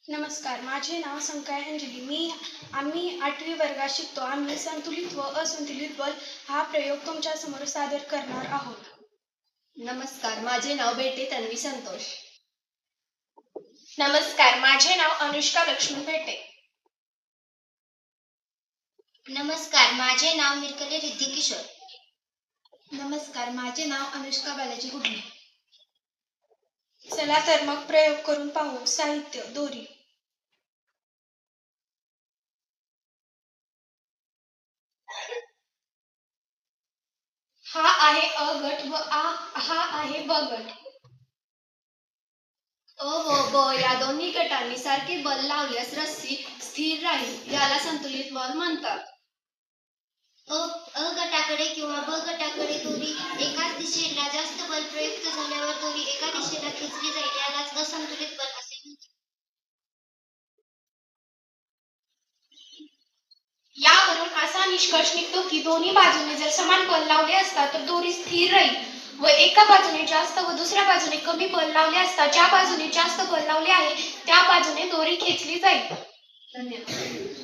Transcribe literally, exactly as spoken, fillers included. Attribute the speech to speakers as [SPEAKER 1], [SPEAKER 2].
[SPEAKER 1] नमस्कार, माझे नाव संकाय अंजली. मी आम्ही आठवी वर्गात शिकतो. आम्ही संतुलित व असंतुलित बल हा प्रयोग तुमच्या समोर सादर करणार आहोत.
[SPEAKER 2] नमस्कार, माझे नाव बेटे तन्वी संतोष.
[SPEAKER 1] नमस्कार, माझे नाव अनुष्का लक्ष्मण बेटे.
[SPEAKER 3] नमस्कार, माझे नाव मिरकले रिद्धी किशोर.
[SPEAKER 2] नमस्कार, माझे नाव अनुष्का बालाजी गुडणे.
[SPEAKER 1] चला तर मग प्रयोग करून पाहू. साहित्य: दोरी.
[SPEAKER 2] हा आहे अ गट व आ हा आहे ब गट. अ व ब या दोन्ही गटांनी सारखे बल लावल्यास रस्सी स्थिर राहील, याला संतुलित बल म्हणतात.
[SPEAKER 3] अ अ गटाकडे किंवा ब गटाकडे दोरी एकाच दिशेला जास्त बल प्रयुक्त झाल्यावर दोरी एका दिशेला खेचली जाईल, यालाच असंतुलित बल असे म्हणतात.
[SPEAKER 1] यावरून असा निष्कर्ष निघतो की दोन्ही बाजूने जर समान बल लावले असता तर दोरी स्थिर राहील व एका बाजूने जास्त व दुसऱ्या बाजूने कमी बल लावले असता ज्या बाजूने जास्त बल लावले आहे त्या बाजूने दोरी खेचली जाईल.
[SPEAKER 2] धन्यवाद.